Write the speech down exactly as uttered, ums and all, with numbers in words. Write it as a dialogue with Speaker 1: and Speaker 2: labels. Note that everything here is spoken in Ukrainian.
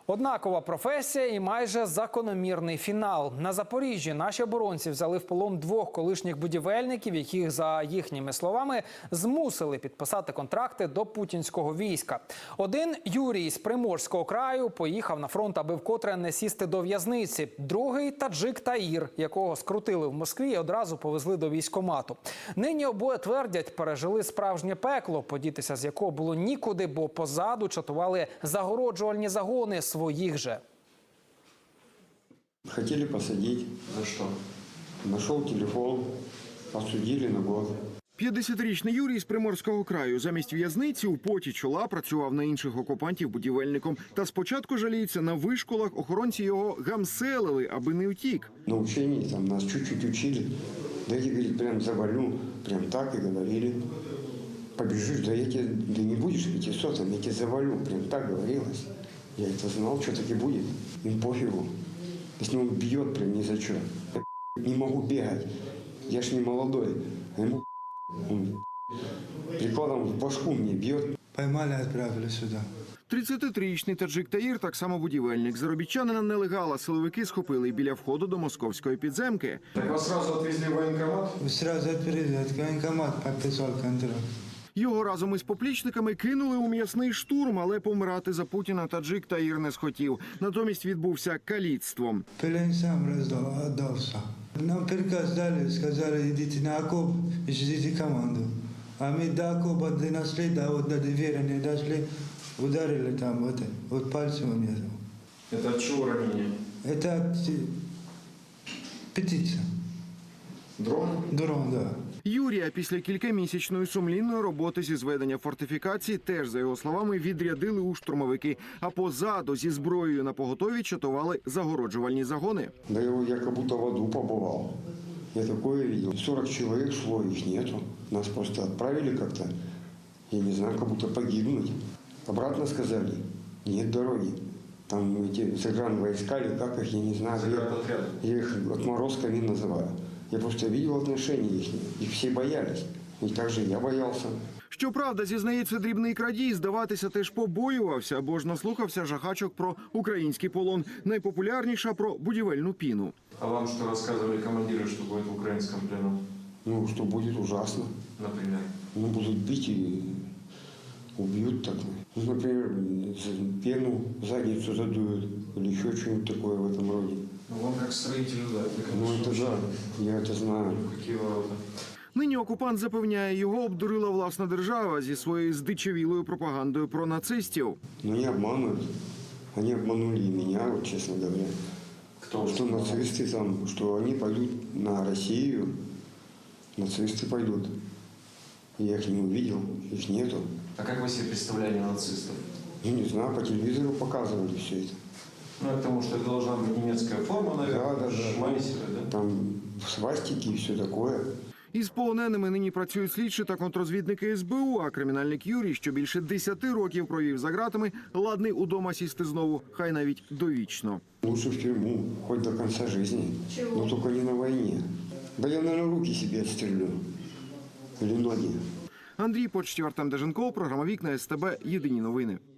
Speaker 1: Однакова професія і майже закономірний фінал. На Запоріжжі наші оборонці взяли в полон двох колишніх будівельників, яких, за їхніми словами, змусили підписати контракти до путінського війська. Один, Юрій з Приморського краю, поїхав на фронт, аби вкотре не сісти до в'язниці. Другий – таджик Таїр, якого скрутили в Москві і одразу повезли до військкомату. Нині обоє твердять, пережили справжнє пекло, подітися з якого було нікуди, бо позаду чатували загороджувальні загони своих же.
Speaker 2: Хотели посадить.
Speaker 3: За что?
Speaker 2: Нашел телефон, осудили на год.
Speaker 4: п'ятдесятирічний Юрій з Приморського краю замість в'язниці у поті чола працював на інших окупантів будівельником. Та спочатку жаліється, на вишколах охоронці його гамселили, аби не утік.
Speaker 2: На учении там нас чуть-чуть учили. Да я, говорит, прям завалю, прям так и говорили. Побежишь, да я тебе, да не будешь пятисотым, я тебе завалю, прям так говорилось. Я это знал, что таки будет. Им пофигу. Если он бьет прям ни за что. Я не могу бегать. Я ж не молодой. А ему он прикладом в башку мне бьет.
Speaker 3: Поймали, отправили сюда.
Speaker 4: тридцятитрирічний таджик Таїр, так само будівельник. Заробітчанина нелегала силовики схопили біля входу до московської підземки.
Speaker 5: Так вас сразу отвезли в военкомат?
Speaker 3: Сразу отправили, в военкомат подписал контракт.
Speaker 4: Його разом із поплічниками кинули у м'ясний штурм, але помирати за Путіна таджик Таїр не схотів. Натомість відбувся каліцтвом.
Speaker 3: Плен сам раздал, отдался. Нам приказ дали, сказали, идите на окоп и ждите команду. А мы до окопа донесли, да вот до двери не дошли, ударили там, вот, вот пальцем у меня.
Speaker 5: Это от чего ранение?
Speaker 3: Это от птица.
Speaker 5: Дрон?
Speaker 3: Дрон, да.
Speaker 4: Юрія після кількамісячної сумлінної роботи зі зведення фортифікацій теж, за його словами, відрядили у штурмовики. А позаду зі зброєю на поготові чатували загороджувальні загони.
Speaker 2: Да его я как будто в аду побывал. Я такое видел. сорок человек шло, их нету. Нас просто отправили как-то, я не знаю, как будто погибнуть. Обратно сказали, нет дороги. Там эти загранвойска, или как их, я не знаю.
Speaker 5: Заградотряды.
Speaker 2: Я их отморозками называю. Я просто видел отношения их. Их все боялись. И так же я боялся.
Speaker 4: Щоправда, зізнається дрібний крадій, здаватися теж побоювався, бо ж наслухався жахачок про український полон. Найпопулярніша про будівельну піну.
Speaker 5: А вам что рассказывали командиры, что будет в украинском плену?
Speaker 2: Ну, что будет ужасно.
Speaker 5: Например?
Speaker 2: Ну, будут бить и убьют так. Ну, например, пену, задницу задуют или еще что-нибудь такое в этом роде.
Speaker 5: Ну, вам как строителю, да? Это,
Speaker 2: Ну,
Speaker 5: конечно,
Speaker 2: это да, я это знаю.
Speaker 5: какие ворота?
Speaker 4: Нині окупант запевняє, його обдурила власна держава зі своєю здичавілою пропагандою про нацистів.
Speaker 2: Но не обманывают. Они обманули и меня, вот, честно говоря.
Speaker 5: Кто?
Speaker 2: Что нацисты там, что они пойдут на Россию, нацисты пойдут. Я их не увидел, их нету.
Speaker 5: А как вы себе представляли нацистов?
Speaker 2: Ну, не знаю, по телевизору показывали все это.
Speaker 5: Ну, это потому что это должна быть немецкая форма, наверное,
Speaker 2: Да, да, да.
Speaker 5: шмайсеры, да?
Speaker 2: Там свастики и все такое.
Speaker 4: Із полоненими нині працюють слідчі та контррозвідники ес бе у, а кримінальник Юрій, що більше десяти років провів за ґратами, ладний удома сісти знову, хай навіть довічно.
Speaker 2: Лучше в тюрьму, хоть до конца жизни. Чего? Но только не на войне. Да я, наверное, руки себе отстрелю. Или ноги.
Speaker 4: Андрій Почтів, Артем Деженков, програма «Вікна ес те бе», єдині новини.